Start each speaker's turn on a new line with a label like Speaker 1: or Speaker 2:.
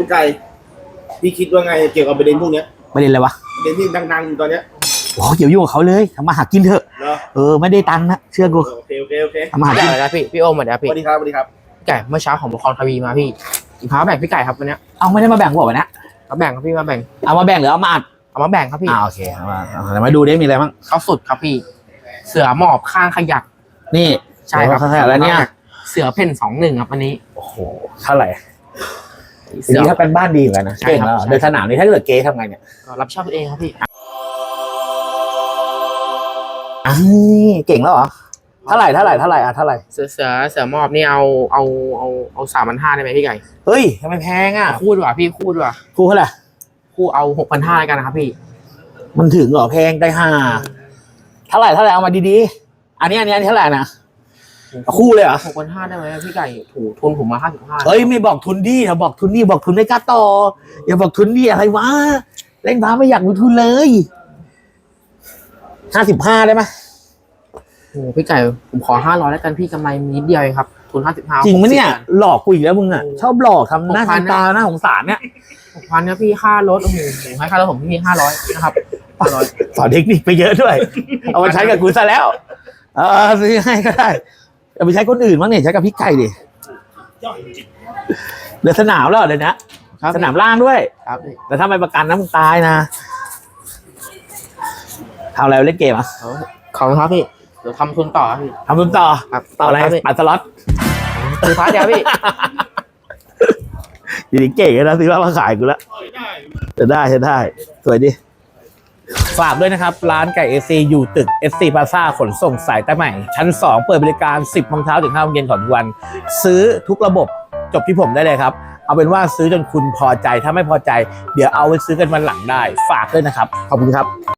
Speaker 1: พี่ไก่พี่คิดว่าไงเกี่ยวกับประเด็นพวกเนี้ย
Speaker 2: ประเด็นอะไรวะ
Speaker 1: ประเด็นที่ดังๆอยู่ตอนเนี้ย
Speaker 2: โอ้เกี่ยวยุ่งกับเขาเลยทำมาหากินเถอะไม่ได้ตังค์นะเชื่อกู
Speaker 1: โอเค
Speaker 2: ทำมาหากิน
Speaker 3: นะพี่โอมมาเดี๋ยวพี่
Speaker 1: สวัสดีครับพี่
Speaker 3: ไก่เมื่อเช้าของบุคคลทวีมาพี่อีกพาแบ่งพี่ไก่ครับวันนี้
Speaker 2: เอาไม่ได้มาแบ่งกูบอกนะ
Speaker 3: มาแบ่งครับพี่มาแบ่ง
Speaker 2: เอามาแบ่งหรือเอามาอัด
Speaker 3: เอามาแบ่งครับพี่
Speaker 2: โอเคมาดูได้มีอะไรบ้าง
Speaker 3: เขาสุดครับพี่เสือหมอบข้างขยัก
Speaker 2: นี่
Speaker 3: ใช่ครับ
Speaker 2: ข้างขยักแล้วเนี่ย
Speaker 3: เสือเพ่น21ครับวันนี้
Speaker 2: โอ้โหเท่าไหร่ทีนี้ถ้าเป็นบ้านดีเหมือนกันนะเก่งแล้วเดินสนามนี้ถ้าเกิดเก๊ทำไงเนี่ย
Speaker 3: รับชอบเองครับพี่
Speaker 2: เก่งแล้วเหรอเท่าไหร่เ
Speaker 3: สือหมอบนี่เอา3,500ได้ไหมพี่ไก่
Speaker 2: เฮ้ยทำไมแพงอ่ะ
Speaker 3: คู่ดีกว่าพี่คู่ดีกว่า
Speaker 2: คู่เท่าไหร่
Speaker 3: คู่เอา6,500กันนะครับพี่
Speaker 2: มันถึงเหรอแพงได้5เท่าไหร่เอามาดีๆอันนี้เท่าไหร่นะคู่เลยเหรอ
Speaker 3: 6,500ได้ไหมพี่ไก่ถูกทุนผมมา55
Speaker 2: เฮ้ยไม่บอกทุนดีถ้าบอกทุนดีบอกทุนไม่กล้าต่ออย่าบอกทุนดีอะไรวะเล่นพาไม่อยากลงทุนเลย55ได้ไหม
Speaker 3: โอ้พี่ไก่ผมขอ500แล้วกันพี่กำไรนิดเดียวเองครับทุน55
Speaker 2: จริงไหมเนี่ยหลอกกูอีกแล้วมึงอ่ะชอบหลอกทำหน้าทำตาหน้าสงสารเนี่ย
Speaker 3: 6,000ครับพี่ค่ารถโอ้โหผมให้ค่ารถผมพี่500นะครับ500
Speaker 2: สอนเทคนิคไปเยอะด้วยเอามาใช้กับกูซะแล้วซื้อให้ก็ได้เอาไปใช้คนอื่นบ้างเนี่ยใช้กับพี่ไก่ดิเดือดสนามแล้วเดี๋ยวนะสนามล่างด้วย
Speaker 3: ครับ
Speaker 2: แต่ถ้าไม่ประกันนะมึงตายนะทำอะไรเล่นเกมอ่ะ
Speaker 3: ขอบคุณครับพี่เดี๋ยวทำทุนต่อพี่
Speaker 2: ทำทุนต่อ
Speaker 3: ครับ
Speaker 2: ต่ออะไรปัดสล็อต
Speaker 3: ซื้อพาร์ทเดียวพี่
Speaker 2: อยู่ดีเก่งนะซื้อมาขายกูแล้วจะได้สวยดิฝากด้วยนะครับร้านไก่ SC อยู่ตึก SC Plaza ขนส่งสายใต้ใหม่ชั้น2เปิดบริการ 10 โมงเช้าถึง 5 โมงเย็นของทุกวันซื้อทุกระบบจบที่ผมได้เลยครับเอาเป็นว่าซื้อจนคุณพอใจถ้าไม่พอใจเดี๋ยวเอาไปซื้อกันวันหลังได้ฝากด้วยนะครับขอบคุณครับ